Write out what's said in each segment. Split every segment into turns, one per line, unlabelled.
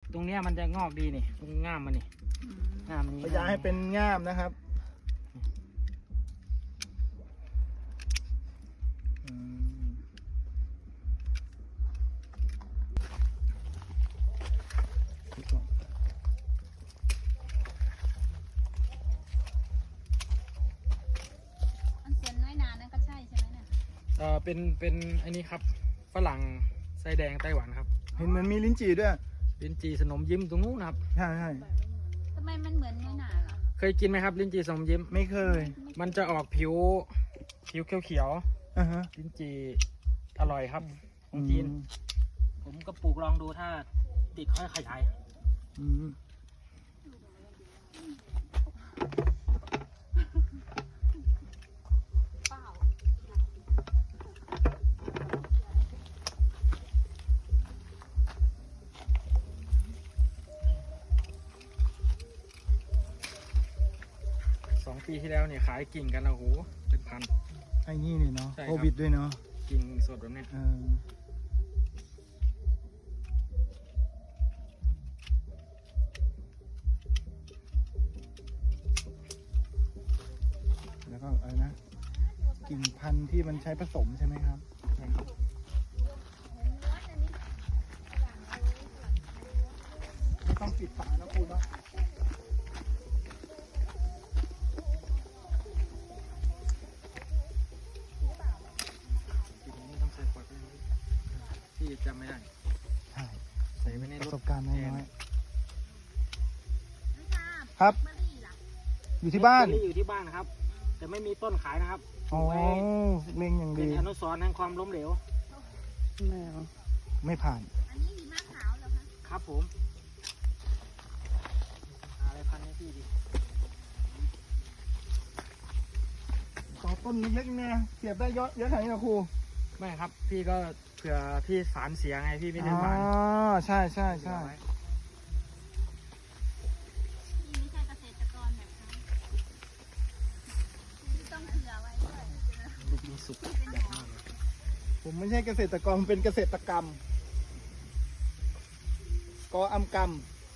ตรงเนี้ยมันจะงอกดีนี่ตรงง่ามมันนี่ง่ามนี้
พยายามให้เป็นง่ามนะครับ
อันส่วนน้อยนานั่นก็ใช่ใช่ไหมเนี่ย
เป็นอันนี้ครับฝรั่งไส้แดงไต้หวันครับ
เห็นเหมือนมีลิ้นจี่ด้วย
ลิ้นจี่สนมยิ้มตรงนู้นนะครับ
ใช่ใช่
ทำไมมันเหมือนน้อยนาล่ะ
เคยกินไหมครับลิ้นจี่สนมยิ้ม
ไม่เคย
มันจะออกผิวเขียว
อ่าฮะ
ลิ้นจี่อร่อยครับของจีนผมก็ปลูกลองดูถ้าติดค่อยขยาย
อืม
เปล่า
2 ปีที่แล้วเนี่ยขายกิ่งกันนะโอ้โหเป็นพัน
ไอ้นี่นี่เนาะ
ใช่ครับ
โควิดด้วยเนาะ
กิ่งสดแบบเนี้ย
แล้วก็อะไรนะกิ่งพันธุ์ที่มันใช้ผสมใช่ไหมครับ
ใช่ครับ
ไม่ต้องปิดฝานะคุณเนาะ
กิ่งนี้ต้องใส่ขวดด้วยที่จำไม่ได้
ใช่
ใส่ไว้ใน
ป
ร
ระ
ถ
สบการณ์น้อย
น้อยนา
ๆครับ
มะลิล่ะ
อยู่ที่บ้าน
ลอตเตอรี่อยู่ที่บ้านนะครับ แต่ไม่มีต้นขายนะครับ
อ๋อ
ไว้
เล็งอย่าง
เป็
ดี
นอนุสรณ์แห่งความล้มเหลว
ไม่ผ่าน
อันนี้หิมะขาวเหรอคะ
ครับผมหาอะไรพันให้พี่ดิ
ต่อต้นเล็กๆเนี่ยเสียบได้เยอะเยอะขนาดนี้เหรอครู
ไม่ครับพี่ก็เผื่อพี่สารเสียไงพี่ไม่ได้
อ๋อ
สาร
ใช่ใช่ใช่
เผื่อไว้
นี่ไม่ใช่เกษตรกรแบบนั้นที่ต้องเผื่อไว้ด้วย
ลูกนี้สุกใหญ่มากเลย
ผมไม่ใช่เกษตรกรผมเป็นเกษตรกรรมกออำกรรม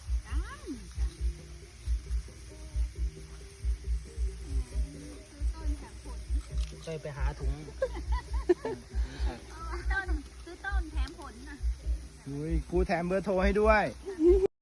ซื้อต้นแถมผล
เคยไปหาถุง
ต้นซื้อต้นแถมผลน่ะ
อุ้ยครูแถมเบอร์โทรให้ด้วย